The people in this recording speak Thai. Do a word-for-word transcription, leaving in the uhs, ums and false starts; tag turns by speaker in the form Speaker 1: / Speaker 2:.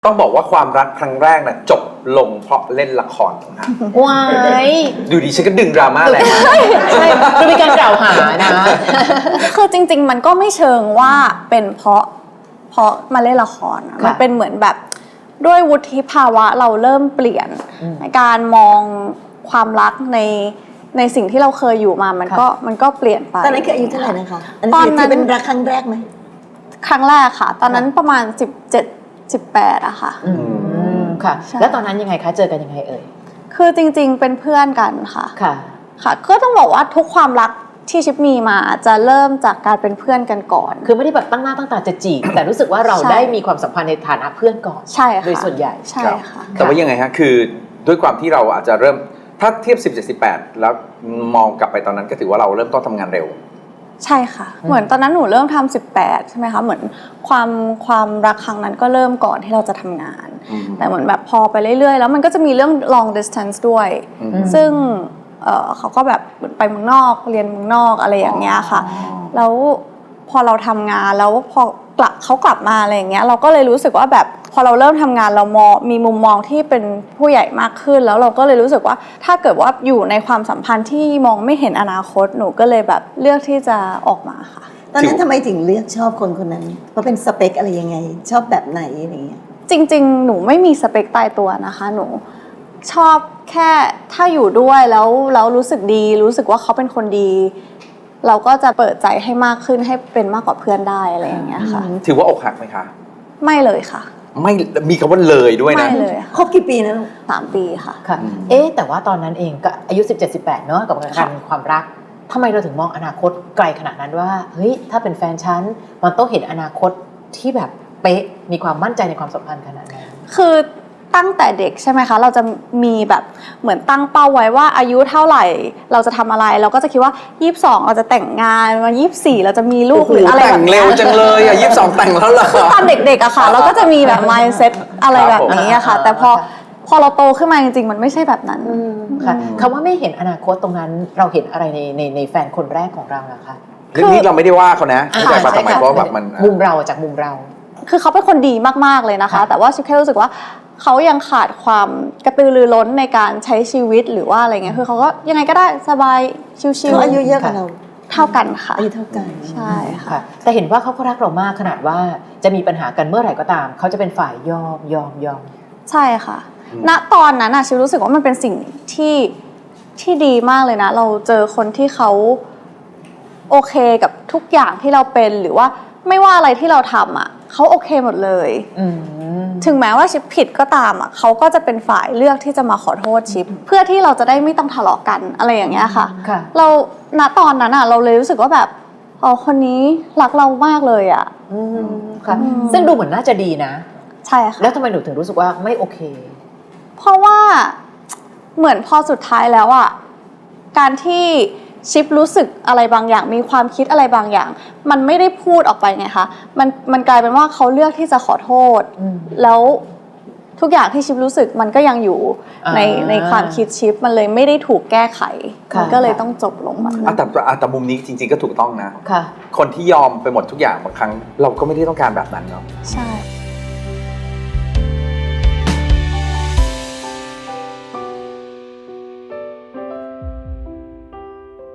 Speaker 1: ต้องบอกว่าความรักครั้งแรกน่ะจบลงเพราะเล่นละครนะ
Speaker 2: ว้าย
Speaker 1: ดูดีฉันก็ดึงดราม่าแหละ
Speaker 2: ใช่ดูมีการกล่าวหานะ
Speaker 3: คือจริงๆมันก็ไม่เชิงว่าเป็นเพราะเพราะมาเล่นละครนะมันเป็นเหมือนแบบด้วยวุฒิภาวะเราเริ่มเปลี่ยนในการมองความรักในในสิ่งที่เราเคยอยู่มามันก็มันก็เปลี่ยนไป
Speaker 4: ตอนนั้นคืออายุเท่าไหร่นะคะอันนี้ถือเป็นรักครั้งแรกไหม
Speaker 3: ครั้งแรกค่ะตอนนั้นประมาณสิบเจ็ด สิบแปดอะค่ะ
Speaker 2: อืมค่ะแล้วตอนนั้นยังไงคะเจอกันยังไงเอ่ย
Speaker 3: คือจริงๆเป็นเพื่อนกันค่ะ
Speaker 2: ค่ะ
Speaker 3: ค่ะก็ต้องบอกว่าทุกความรักที่ชิปมีมาจะเริ่มจากการเป็นเพื่อนกันก่อน
Speaker 2: คือไม่ได้แบบตั้งหน้าตั้งตาจะจีบแต่รู้สึกว่าเราได้มีความสัมพันธ์ในฐานะเพื่อนก่อน
Speaker 3: ใช่ค่ะ
Speaker 2: โดยส่วนใหญ่
Speaker 3: ใช่ค่ะ
Speaker 1: แต่ว่ายังไงฮะคือด้วยความที่เราอาจจะเริ่มถ้าเทียบสิบ เจ็ด สิบแปดแล้วมองกลับไปตอนนั้นก็ถือว่าเราเริ่มต้นทำงานเร็ว
Speaker 3: ใช่ค่ะเหมือนตอนนั้นหนูเริ่มทำสิบแปดใช่ไหมคะเหมือนความความรักครั้งนั้นก็เริ่มก่อนที่เราจะทำงานแต่เหมือนแบบพอไปเรื่อยๆแล้วมันก็จะมีเรื่อง long distance ด้วยซึ่งเอ่อเขาก็แบบไปเมืองนอกเรียนเมืองนอกอะไรอย่างเงี้ยค่ะแล้วพอเราทำงานแล้วพอกลับเขากลับมาอะไรอย่างเงี้ยเราก็เลยรู้สึกว่าแบบพอเราเริ่มทำงานเรามองมีมุมมองที่เป็นผู้ใหญ่มากขึ้นแล้วเราก็เลยรู้สึกว่าถ้าเกิดว่าอยู่ในความสัมพันธ์ที่มองไม่เห็นอนาคตหนูก็เลยแบบเลือกที่จะออกมาค่ะ
Speaker 4: ตอนนั้นทำไมถึงเลือกชอบคนคนนั้นเพราะเป็นสเปคอะไรยังไงชอบแบบไหนอะไรเงี้ย
Speaker 3: จริงๆหนูไม่มีสเปคตายตัวนะคะหนูชอบแค่ถ้าอยู่ด้วยแล้วแล้วรู้สึกดีรู้สึกว่าเขาเป็นคนดีเราก็จะเปิดใจให้มากขึ้นให้เป็นมากกว่าเพื่อนได้อะไรอย่างเงี้ยค่ะ
Speaker 1: ถือว่าอกหักไหมคะ
Speaker 3: ไม่เลยค่ะ
Speaker 1: ไม่มีคำว่าเลยด้วยนะ
Speaker 3: ไม่เลย
Speaker 4: คบกี่ปีนะลูก
Speaker 3: สามปีค่ะ
Speaker 2: ค่ะเอ๊ะแต่ว่าตอนนั้นเองก็อายุ สิบเจ็ด สิบแปด เนอะกับการความรักทำไมเราถึงมองอนาคตไกลขนาดนั้นว่าเฮ้ยถ้าเป็นแฟนฉันมันต้องเห็นอนาคตที่แบบเป๊ะมีความมั่นใจในความสัมพันธ์ขนาดนั้น
Speaker 3: คือตั้งแต่เด็กใช่ไหมคะเราจะมีแบบเหมือนตั้งเป้าไว้ว่าอายุเท่าไหร่เราจะทำอะไรเราก็จะคิดว่ายี่สิบสองเราจะแต่งงานวันยี่สิบสี่เราจะมีลูกหรืออะไรแบบนี้
Speaker 1: แต่งเร็วจังเลยอ่ะยี่สิบสองแต่งแล้วเหรอ
Speaker 3: ตอนเด็กๆอะค่ะเราก็จะมีแบบ mindset อะไรแบบนี้อะค่ะแต่พอพอเราโตขึ้นมาจริงๆมันไม่ใช่แบบนั้น
Speaker 2: ค่ะคำว่าไม่เห็นอนาคตตรงนั้นเราเห็นอะไรในในในแฟนคนแรกของเราล่ะคะ
Speaker 1: เรื่องนี้เราไม่ได้ว่าเขานะแต่มาทำไมเพราะแบบมัน
Speaker 2: มุมเราจากมุมเรา
Speaker 3: คือเขาเป็นคนดีมากๆเลยนะคะแต่ว่าชิคแค่รู้สึกว่าเขายังขาดความกระตือรือร้นในการใช้ชีวิตหรือว่าอะไรเงี้ยคือเขาก็ยังไงก็ได้สบายชิวๆ
Speaker 4: อายุเยอะกว่าเรา
Speaker 3: เท่ากันค่ะ
Speaker 4: อายุเท่ากัน
Speaker 3: ใช่ค่ะ
Speaker 2: แต่เห็นว่าเขาก็รักเรามากขนาดว่าจะมีปัญหากันเมื่อไหร่ก็ตามเขาจะเป็นฝ่ายยอมยอมยอม
Speaker 3: ใช่ค่ะณตอนนั้นอะชิรู้สึกว่ามันเป็นสิ่งที่ที่ดีมากเลยนะเราเจอคนที่เขาโอเคกับทุกอย่างที่เราเป็นหรือว่าไม่ว่าอะไรที่เราทำอ่ะเขาโอเคหมดเลยถึงแม้ว่าชิปผิดก็ตามอ่ะเขาก็จะเป็นฝ่ายเลือกที่จะมาขอโทษชิปเพื่อที่เราจะได้ไม่ต้องทะเลาะกันอะไรอย่างเงี้ยค่ะเราณตอนนั้นอ่ะเราเลยรู้สึกว่าแบบอ๋อคนนี้รักเรามากเลยอ่ะ
Speaker 2: ค่ะซึ่งดูเหมือนน่าจะดีนะ
Speaker 3: ใช่ค่ะ
Speaker 2: แล้วทำไมหนูถึงรู้สึกว่าไม่โอเค
Speaker 3: เพราะว่าเหมือนพอสุดท้ายแล้วอ่ะการที่ชิปรู้สึกอะไรบางอย่างมีความคิดอะไรบางอย่างมันไม่ได้พูดออกไปไงคะมันมันกลายเป็นว่าเขาเลือกที่จะขอโทษแล้วทุกอย่างที่ชิปรู้สึกมันก็ยังอยู่ในในความคิดชิปมันเลยไม่ได้ถูกแก้ไขมันก็เลยต้องจบลงแบบนั้น
Speaker 1: แต่แต่มุมนี้จริงๆก็ถูกต้องนะคนที่ยอมไปหมดทุกอย่างบางครั้งเราก็ไม่ได้ต้องการแบบนั้นเนาะ
Speaker 3: ใช่